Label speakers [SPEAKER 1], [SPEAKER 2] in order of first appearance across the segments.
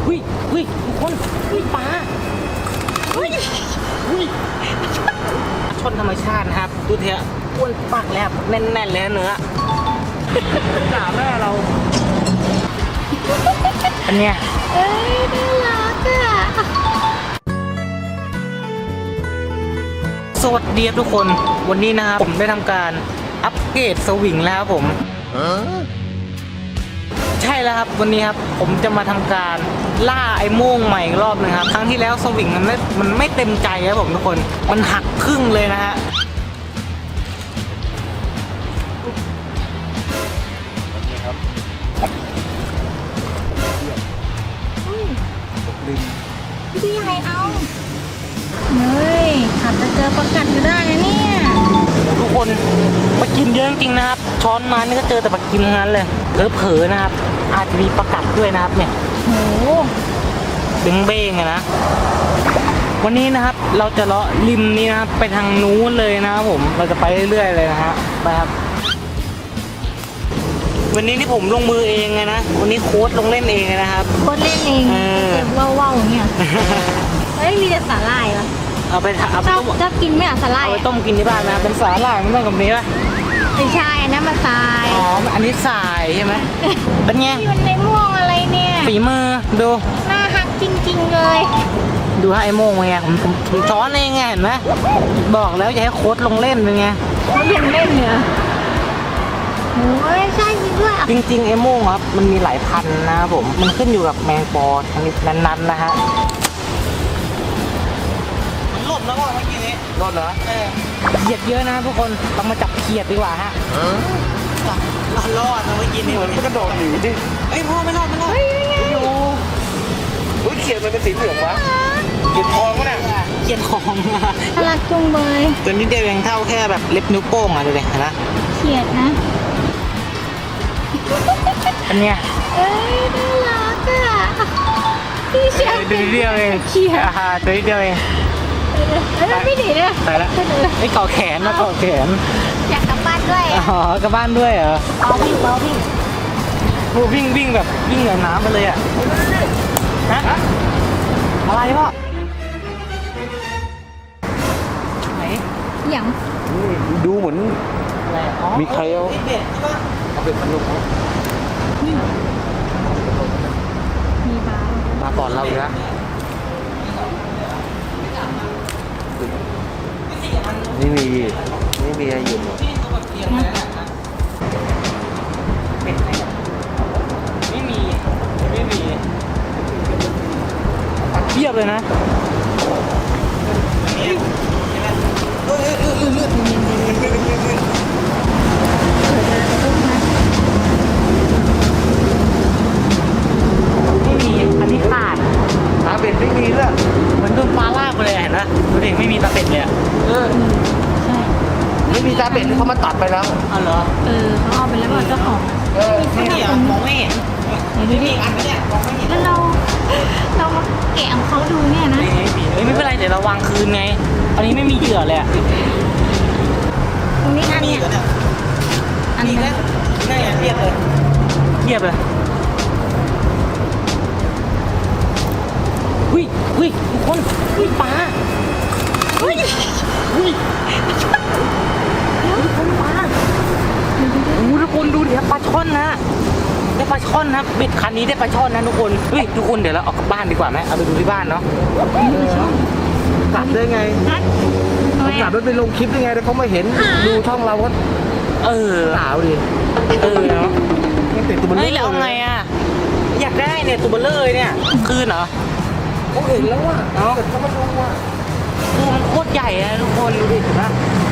[SPEAKER 1] หุ้ยหุ้ยทุกคนหุ้ยปลาหุ้ยหุ้ยชนธรรมชาตินะครับดูเถอะอ้วนปักแล้วแน่นๆเลยเนื้อด่าแม่เราอันเนี้ย
[SPEAKER 2] เอ้ยน่ารักอ่ะ
[SPEAKER 1] สวัสดีทุกคนวันนี้นะครับผมได้ทำการอัปเกรดสวิงแล้วครับผมใช่แล้วครับวันนี้ครับผมจะมาทำการล่าไอ้โม่งใหม่อีกรอบนึงครับครั้งที่แล้วสวิงมันไม่เต็มใจครับผมทุกคนมันหักครึ่งเลยนะฮะ
[SPEAKER 2] พี่ใหญ่เอาเฮ้ยอาจจะเจอประกัดก็ได้นะเนี่ย
[SPEAKER 1] ทุกคนปลากินเยอะจริงๆนะครับช้อนมานี่ก็เจอแต่ปลากินทั้งนั้นเลยเผลอๆนะครับอาจจะมีประกัดด้วยนะครับเนี่ย
[SPEAKER 2] โห
[SPEAKER 1] ดึงเบ้งอะนะวันนี้นะครับเราจะเลาะริมนี้นะครับไปทางนู้นเลยนะครับผมเราจะไปเรื่อยๆเลยนะฮะไปครับวันนี้ที่ผมลงมือเองไงนะวันนี้โค้ชลงเล่นเองนะครับ
[SPEAKER 2] โคตรเล่นเองเจ็บว่าวๆอย่างเงี้ยเฮ้ยมีแต่สาหร่ายเหรอ
[SPEAKER 1] เอาไป
[SPEAKER 2] ชอบกินไหมอ่ะสาหร่าย
[SPEAKER 1] เอาไปต้มกินที่บ้านนะเป็นสาหร่ายมันต้องกับนี้ป่ะ
[SPEAKER 2] ไม่ใช่อันนั้นมาทราย
[SPEAKER 1] อ๋ออันนี้ทรายใช่ไหมเป็นไง
[SPEAKER 2] มันในม่วงอะไรเนี่ย
[SPEAKER 1] ฝีมือดู
[SPEAKER 2] น่าฮักจริงๆเลย
[SPEAKER 1] ดูให้ไอ้โม่งไงผมช้อนเองไงเห็นไหมบอกแล้วอย่าให้โค้ชลงเล่นเป็นไง
[SPEAKER 2] เขายังเล่นเนี่ยโอ้ยใช่จริงด้วย
[SPEAKER 1] จริงๆไอ้โม่งครับมันมีหลายพันนะครับผมมันขึ้นอยู่กับแมงปอชนิดนั้นๆนะฮะมันหล่นแล้วว่าเมื่อกี้นี้หล่นเหรอเขียดเยอะนะทุกคนต้องมาจับเขียดดีกว่าฮะรอดนะเมื่อกี้นี้มันกระโดดหนีดิเอ้ยพ่อไม่รอดอยู่อุ้ยเขียดมันเป็นสีเหลืองวะเขียดทองวะเนี่ยเขียดทอง
[SPEAKER 2] น่ารักจุงเบย
[SPEAKER 1] ตัวนี้เดียวยังเท่าแค่แบบเล็บนิ้วโป้งอ่ะดูดิเห็นไหม
[SPEAKER 2] เขียดนะ
[SPEAKER 1] อันเนี้ย
[SPEAKER 2] เอ้ยน่ารักอ่ะพี่เชียร์
[SPEAKER 1] ตัวเดียวเอง
[SPEAKER 2] เขียด
[SPEAKER 1] ตัวเดียวเอง
[SPEAKER 2] ไม่หนีเลย
[SPEAKER 1] ตายละไอ้เกาะแขนนะเกาะแขน
[SPEAKER 2] อยากกลับบ้านด้วย
[SPEAKER 1] อ๋อกลับบ้านด้วยเหรอ
[SPEAKER 2] เอาวิ่ง
[SPEAKER 1] วิ่งแบบวิ่งเหนือน้ำไปเลยอ่ะฮะอะไรพ่อไหน
[SPEAKER 2] อย่าง
[SPEAKER 3] ดูเหมือนมีใครเอา
[SPEAKER 1] เบ็ดใช่ปะ
[SPEAKER 3] เอาเป็ดมันลง
[SPEAKER 2] มี
[SPEAKER 3] มาก่อนเราอีกแล้วนี่มีอะไรอยู่หมด
[SPEAKER 1] ไม่มีเทียบเลยนะไม่มีอันนี้ขาด
[SPEAKER 3] ตาเป็ดไม่มีด้วย
[SPEAKER 1] เหมือนโดนปลาลากไปเลยเห็นไหมดูดิไม่มีตาเป็ดเลย
[SPEAKER 2] ใช่
[SPEAKER 3] ไม่มีตาเป็ดเขามาตัดไปแล้ว
[SPEAKER 1] อ๋อเหรอ
[SPEAKER 2] เขาเอาไปแล้วเจ้าของ
[SPEAKER 1] นี่มองไม่เห็น
[SPEAKER 2] ดูดิ
[SPEAKER 1] อันนี้มองไม่เห็น
[SPEAKER 2] แล้วเรามาแกะของเขาดูเนี่ยนะ
[SPEAKER 1] ไม่เป็นไรเดี๋ยวเราวางคืนไงอันนี้ไม่มีเหยื่อเลยอ่ะ
[SPEAKER 2] ตรงนี้อันนี้
[SPEAKER 1] อันนี้นี่เทียบเลยหุ้ยทุกคนหุ้ยปลาหุ้ยทุกคนปลาทุกคนดูดิปลาช่อนนะได้ปลาช่อนนะเบ็ดคันนี้ได้ปลาช่อนนะทุกคนเฮ้ยทุกคนเดี๋ยวเราออกกลับบ้านดีกว่าไหมเอาไปดูที่บ้านเนาะ
[SPEAKER 3] กลับได้ไงกลับแล้วไปลงคลิปได้ไงแล้วเขาไม่เห็นดูช่องเราก็สาวดิ
[SPEAKER 1] เนาะ
[SPEAKER 3] ติดตัวมันเลย
[SPEAKER 1] แล้วไงอ่ะอยากได้เนี่ยตัวเบลเลอร์เนี่ยคืนเหรอ
[SPEAKER 3] เขาเห็นแล้วว่ะแต่เขามาดูว่ะ
[SPEAKER 1] ตัวมันโคตรใหญ่อะทุกคนดูดิเห็นไหม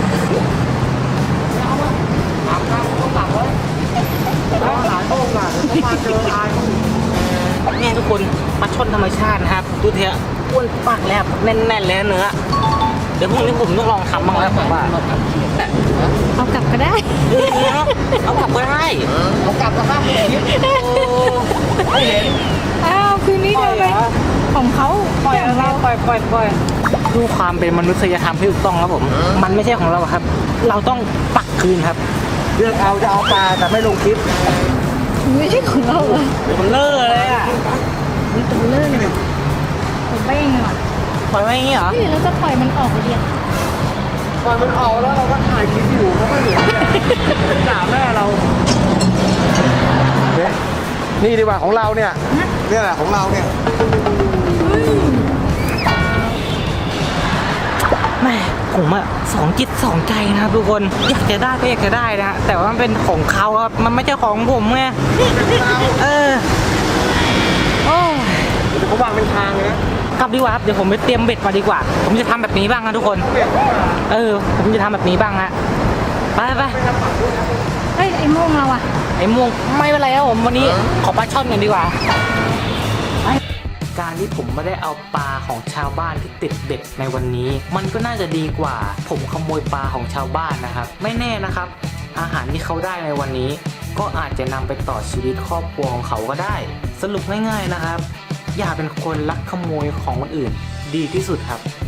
[SPEAKER 3] ต้องตักไว้แล้วหาโต้งอ่ะมาเจออาย
[SPEAKER 1] เนี่ยทุกคนปลาช่อนธรรมชาตินะครับดูเถอะอ้วนปักแล้วแน่นๆเลยเนื้อเดี๋ยวพรุ่งนี้ผมต้องลองทำบ้างแล้วผมว่า
[SPEAKER 2] เอากลับก็ได้
[SPEAKER 1] เอากลับก็ได้
[SPEAKER 3] เอากลับก็ได้ไม่เห็น
[SPEAKER 2] อ้าวคืนนี้เดี๋ยวไปของเขา
[SPEAKER 1] ปล่อยดูความเป็นมนุษยธรรมที่ถูกต้องครับผมมันไม่ใช่ของเราครับเราต้องปักคืนครับ
[SPEAKER 3] เลือกเอาจะเอาปลาแต่ไม่ลงคลิป
[SPEAKER 2] ไม่ใช่ของเราเหรอ
[SPEAKER 1] มันเลิกเลยอ่ะ
[SPEAKER 2] มีตัวเลื่อนเลยตัวเบ้งเลยว่ะ
[SPEAKER 1] ปล่อยไว้อย่างงี้เหรอ
[SPEAKER 2] เฮ้ยเราจะปล่อยมันออกไปเดียว
[SPEAKER 3] ปล่อยมันออกแล้วเราก็ถ่ายคลิปอยู่เขาไม่เห็นเนี่ยด่าแม่เราเนี่ยนี่ดีกว่าของเราเนี่ยเนี่ยแหละของเราเนี่ย
[SPEAKER 1] แม่ผมอะสองจิตสองใจนะครับทุกคนอยากจะได้ก็อยากจะได้นะฮะแต่ว่ามันเป็นของเขาครับมันไม่ใช่ของผมไงเออโอ้ย
[SPEAKER 3] เขาวางเป็นทางเลยนะ
[SPEAKER 1] กลับดีกว่าครับเดี๋ยวผมไปเตรียมเบ็ดมาดีกว่า ผมจะทำแบบนี้บ้างนะทุกคน เออ ผมจะทำแบบนี้บ้างฮะไปไป
[SPEAKER 2] เฮ้ยไอ้โม่งเราอ่ะ
[SPEAKER 1] ไอ้ม่วงไม่เป็นไรครับผมวันนี้ขอปลาช่อนกันดีกว่าการที่ผมไม่ได้เอาปลาของชาวบ้านที่ติดเบ็ดในวันนี้ มันก็น่าจะดีกว่า ผมขโมยปลาของชาวบ้านนะครับ ไม่แน่นะครับ อาหารที่เขาได้ในวันนี้ ก็อาจจะนำไปต่อชีวิตครอบครัวของเขาก็ได้ สรุปง่ายๆนะครับ อย่าเป็นคนลักขโมยของคนอื่น ดีที่สุดครับ